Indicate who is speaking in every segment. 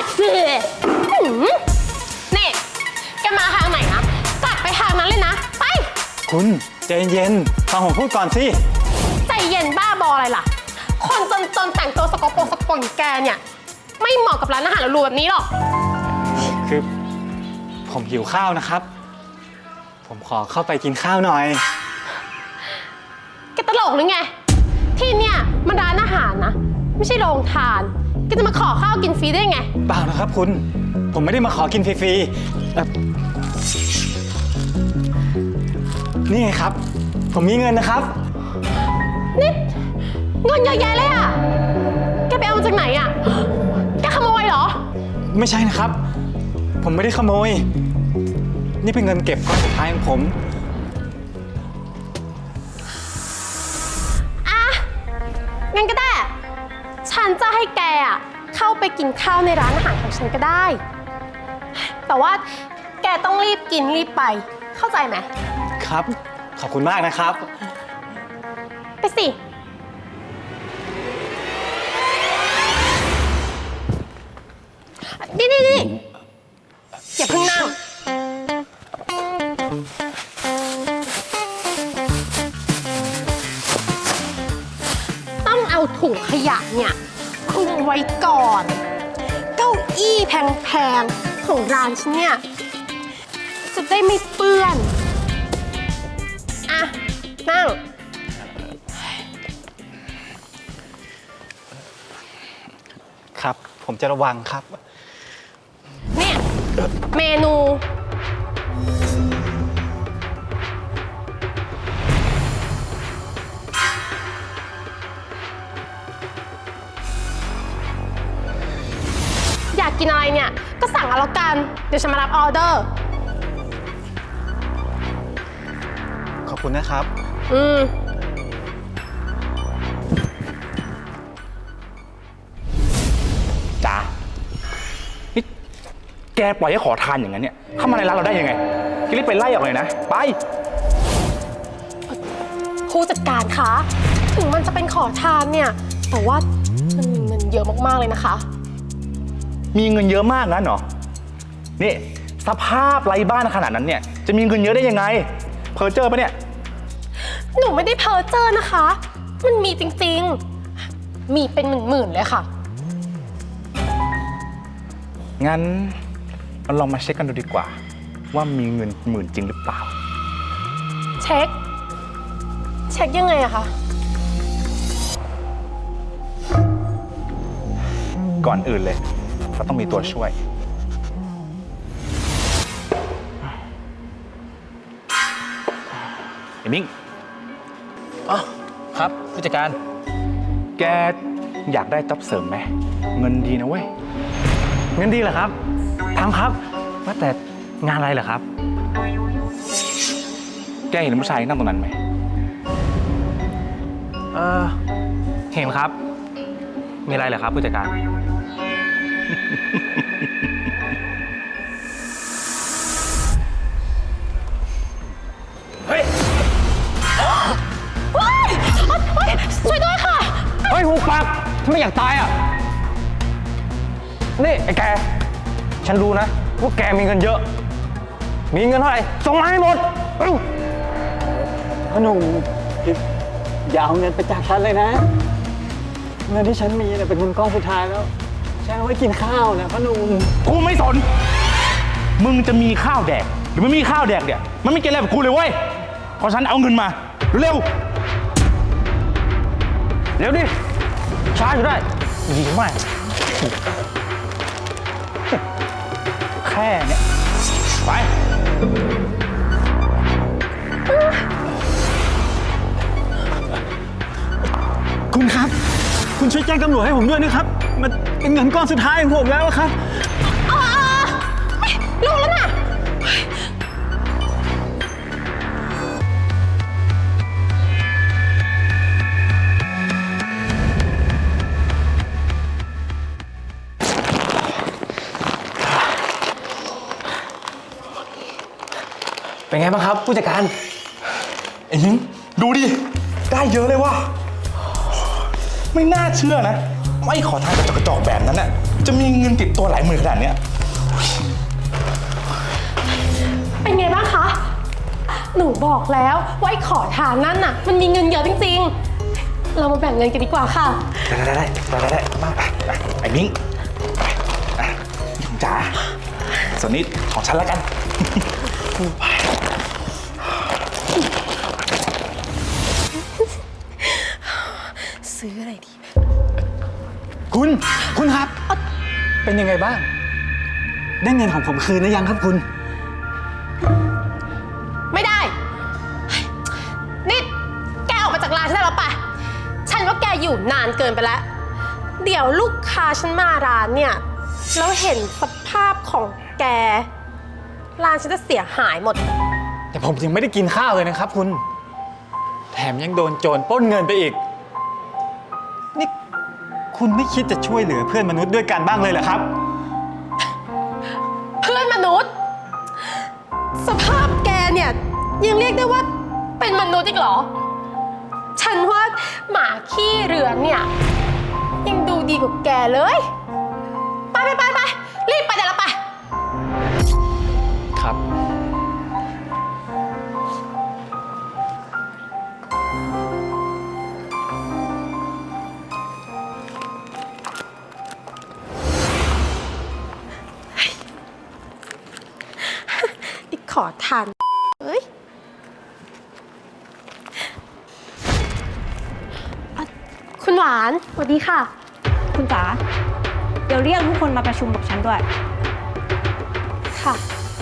Speaker 1: นี่แกมาทางไหนนะกลับไปทางนั้นเลยนะไป
Speaker 2: คุณใจเย็นฟังผมพูดก่อนสิ
Speaker 1: ใจเย็นบ้าบออะไรล่ะคนจนแต่งตัวสกปรกอย่างแกเนี่ยไม่เหมาะกับร้านอาหารหรูๆแบบนี้หรอก
Speaker 2: คือผมหิวข้าวนะครับผมขอเข้าไปกินข้าวหน่อย
Speaker 1: แกตลกหรือไงที่เนี่ยมันร้านอาหารนะไม่ใช่โรงทานแกจะมาขอข้าวกินฟรีได้ไง
Speaker 2: เปล่านะครับคุณผมไม่ได้มาขอกินฟรีๆนี่ไงครับผมมีเงินนะครับ
Speaker 1: นี่เงินเยอะแยะเลยอ่ะแกไปเอามาจากไหนอ่ะแกขโมยเหรอ
Speaker 2: ไม่ใช่นะครับผมไม่ได้ขโมยนี่เป็นเงินเก็บก้อนสุดท้ายของผม
Speaker 1: งั้นก็ได้ฉันจะให้แกอ่ะเข้าไปกินข้าวในร้านอาหารของฉันก็ได้แต่ว่าแกต้องรีบกินรีบไปเข้าใจไหม
Speaker 2: ครับขอบคุณมากนะครับ
Speaker 1: ไปสินี่อย่าเพิ่งนั่งต้องเอาถุงขยะเนี่ยคลุมไว้ก่อนเก้าอี้แพงๆของร้านฉันเนี่ยจะได้ไม่เปื้อนอ่ะนั่ง
Speaker 2: ครับผมจะระวังครับ
Speaker 1: เนี่ยเมนูอยากกินอะไรเนี่ยก็สั่งเอาแล้วกันเดี๋ยวฉันมารับออเดอร์
Speaker 2: ขอบคุณนะครับ
Speaker 3: จ๋านี่แกปล่อยให้ขอทานอย่างนั้นเนี่ยเข้ามาในร้านเราได้ยังไงแกรีบไปไล่ออกเลยนะไป
Speaker 1: ผู้จัดการคะถึงมันจะเป็นขอทานเนี่ยแต่ว่ามันมีเงินเยอะมากๆเลยนะคะ
Speaker 3: มีเงินเยอะมากงั้นเหรอนี่สภาพไร้บ้านขนาดนั้นเนี่ยจะมีเงินเยอะได้ยังไงเพ้อเจ้อปะเนี่ย
Speaker 1: หนูไม่ได้เพ้อเจ้อนะคะมันมีจริงๆมีเป็นหมื่นๆเลยค่ะ
Speaker 3: งั้นเราลองมาเช็คกันดูดีกว่าว่ามีเงินหมื่นจริงหรือเปล่า
Speaker 1: เช็คยังไงอะคะ
Speaker 3: ก่อนอื่นเลยเราต้องมีตัวช่วยไอ้มิ้ง
Speaker 4: อ๋อครับผู้จัดการ
Speaker 3: แกอยากได้จ็อบเสริมไหมเงินดีนะเว้ย
Speaker 4: เงินดีเหรอครับทำครับว่าแต่งานอะไรเหรอครับ
Speaker 3: แกเห็นผู้ชายนั่งตรงนั้นไหม
Speaker 4: เห็นครับมีอะไรเหรอครับผู้จัดการ
Speaker 1: เฮ้ยช่วยด้วยค่ะ
Speaker 4: เฮ้ยหูปากทำไมอยากตายอ่ะนี่ไอ้แกฉันรู้นะว่าแกมีเงินเยอะมีเงินเท่าไหร่ส่งมาให้หมด
Speaker 2: พ่อหนุ่มอย่าเอาเงินไปจากฉันเลยนะเงินที่ฉันมีเนี่ยเป็นเงินก้อนสุดท้ายแล้วฉันเอาไว้กินข้าวนะพ่อหนุ่ม
Speaker 3: กูไม่สนมึงจะมีข้าวแดกหรือไม่มีข้าวแดกเนี่ยมันไม่เกี่ยวอะไรกับกูเลยเว้ยเพราะฉันเอาเงินมาเร็ว
Speaker 4: เร็วดิช้าอยู่ได้ดีมาก
Speaker 3: แค่เนี้ยไป
Speaker 2: คุณครับคุณช่วยแจ้งตำรวจให้ผมด้วยนะครับมันเป็นเงินก้อนสุดท้ายของผมแล้วครับ
Speaker 1: รู้แล้วนะ
Speaker 4: เป็นไงบ้างครับผู้จัดการ
Speaker 3: ไอ้ยิงดูดิได้เยอะเลยว่ะไม่น่าเชื่อนะไม่ขอทานกระจอกแบบนั้นน่ะจะมีเงินติดตัวหลายหมื่นขนาดเนี้ย
Speaker 1: เป็นไงบ้างคะ หนูบอกแล้วว่าไอ้ขอทานนั่นน่ะ มันมีเงินเยอะจริงๆ เรามาแบ่งเงินกันดีกว่าค่ะ
Speaker 3: ได้มาไปไอ้มิ้งไปจ๋าส่วนนี้ของฉันแล้วกัน
Speaker 1: ซื้ออะไรดี
Speaker 2: คุณครับ เป็นยังไงบ้าง ได้เงินของผมคืนหรือยังครับคุณ
Speaker 1: ไม่ได้ นี่แกออกมาจากร้านฉันได้แล้วปะฉันว่าแกอยู่นานเกินไปแล้ว เดี๋ยวลูกค้าฉันมาร้านเนี่ย แล้วเห็นสภาพของแก ร้านฉันจะเสียหายหมด
Speaker 2: แต่ผมยังไม่ได้กินข้าวเลยนะครับคุณ แถมยังโดนโจรปล้นเงินไปอีก นี่คุณไม่คิดจะช่วยเหลือเพื่อนมนุษย์ด้วยกันบ้างเลยเหรอครับ
Speaker 1: เพื่อนมนุษย์ สภาพแกเนี่ยยังเรียกได้ว่าเป็นมนุษย์อีกเหรอ ฉันว่าหมาขี้เรือนเนี่ยยังดูดีกว่าแกเลย ไปรีบไปแต่ละไป
Speaker 2: ครับ
Speaker 1: อีกขอทานเอ้ยคุณหวานสวัสดีค่ะ
Speaker 5: คุณจ๋าเดี๋ยวเรียกทุกคนมาประชุมกับฉันด้วย
Speaker 1: ค่ะ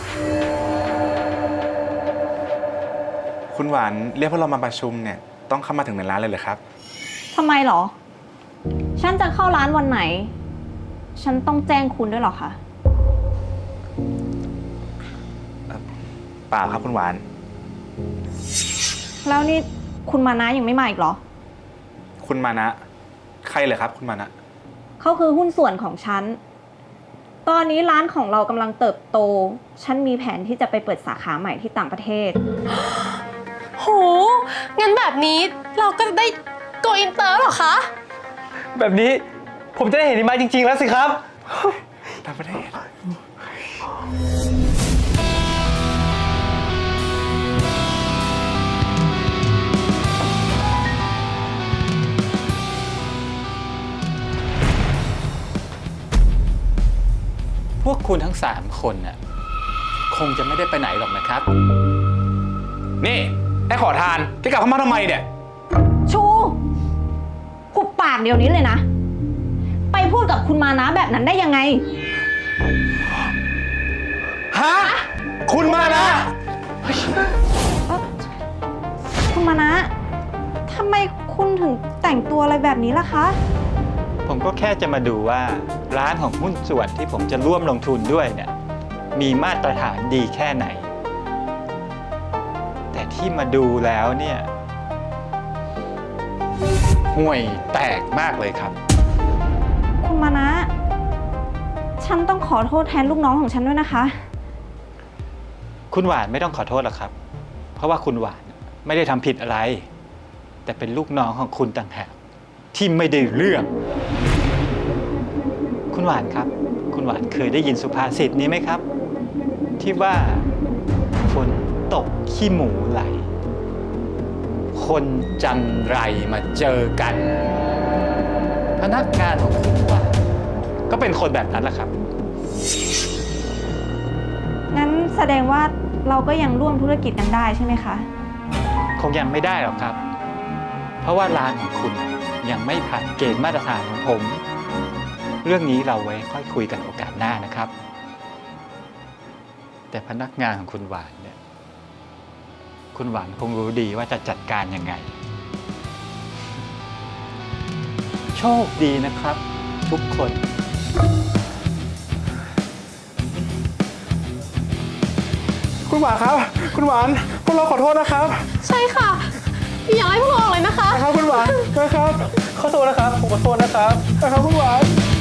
Speaker 3: คุณหวานเรียกพวกเรามาประชุมเนี่ยต้องเข้ามาถึงในร้านเลยเหรอครับ
Speaker 5: ทำไมหรอ ฉันจะเข้าร้านวันไหน ฉันต้องแจ้งคุณด้วยหรอคะ
Speaker 3: เปล่าครับคุณหวาน
Speaker 5: แล้วนี่คุณมานะยังไม่มาอีกเหรอ
Speaker 3: คุณมานะ ใครเหรอครับ คุณมานะ
Speaker 5: เขาคือหุ้นส่วนของฉัน ตอนนี้ร้านของเรากำลังเติบโต ฉันมีแผนที่จะไปเปิดสาขาใหม่ที่ต่างประเทศ
Speaker 1: โห งั้นแบบนี้เราก็จะได้โกอินเตอร์เหรอคะ
Speaker 4: แบบนี้ผมจะได้เห็นหิมะจริงๆแล้วสิครับ
Speaker 3: ต่างประเทศ
Speaker 2: พวกคุณทั้ง3คนน่ะคงจะไม่ได้ไปไหนหรอกนะครับ
Speaker 3: นี่ไอ้ขอทานที่กลับเข้ามาทำไมเนี่ย
Speaker 5: ชูหุบปากเดี๋ยวนี้เลยนะ ไปพูดกับคุณมานะแบบนั้นได้ยังไง
Speaker 3: ฮะ คุณมานะ
Speaker 5: คุณมานะทำไมคุณถึงแต่งตัวอะไรแบบนี้ล่ะคะ
Speaker 6: ผมก็แค่จะมาดูว่าร้านของหุ้นส่วนที่ผมจะร่วมลงทุนด้วยเนี่ยมีมาตรฐานดีแค่ไหน แต่ที่มาดูแล้วเนี่ยห่วยแตกมากเลยครับ
Speaker 5: คุณมานะ ฉันต้องขอโทษแทนลูกน้องของฉันด้วยนะคะ
Speaker 6: คุณหวานไม่ต้องขอโทษหรอกครับ เพราะว่าคุณหวานไม่ได้ทำผิดอะไร แต่เป็นลูกน้องของคุณต่างหากที่ไม่ได้เรื่อง คุณหวานครับ คุณหวานเคยได้ยินสุภาษิตนี้ไหมครับ ที่ว่าฝนตกขี้หมูไหล
Speaker 2: คนจันไรมาเจอกัน พนักงานของคุณว่า
Speaker 6: ก็เป็นคนแบบนั้นแหละครับ
Speaker 5: งั้นแสดงว่าเราก็ยังร่วมธุรกิจกันได้ใช่ไหมคะ
Speaker 6: คงยังไม่ได้หรอกครับ เพราะว่าร้านของคุณยังไม่ผ่านเกณฑ์มาตรฐานของผม เรื่องนี้เราไว้ค่อยคุยกันโอกาสหน้านะครับ แต่พนักงานของคุณหวานเนี่ย คุณหวานคงรู้ดีว่าจะจัดการยังไง โชคดีนะครับ ทุกคน
Speaker 3: คุณหวานครับ คุณหวานพวกเราขอโทษนะครับ
Speaker 1: ใช่ค่ะ อย่าไล่พวกเราออกเลยนะคะ
Speaker 3: นะครับคุณหวานนะครับ ขอโทษนะครับ ผมขอโทษนะครับคุณหวาน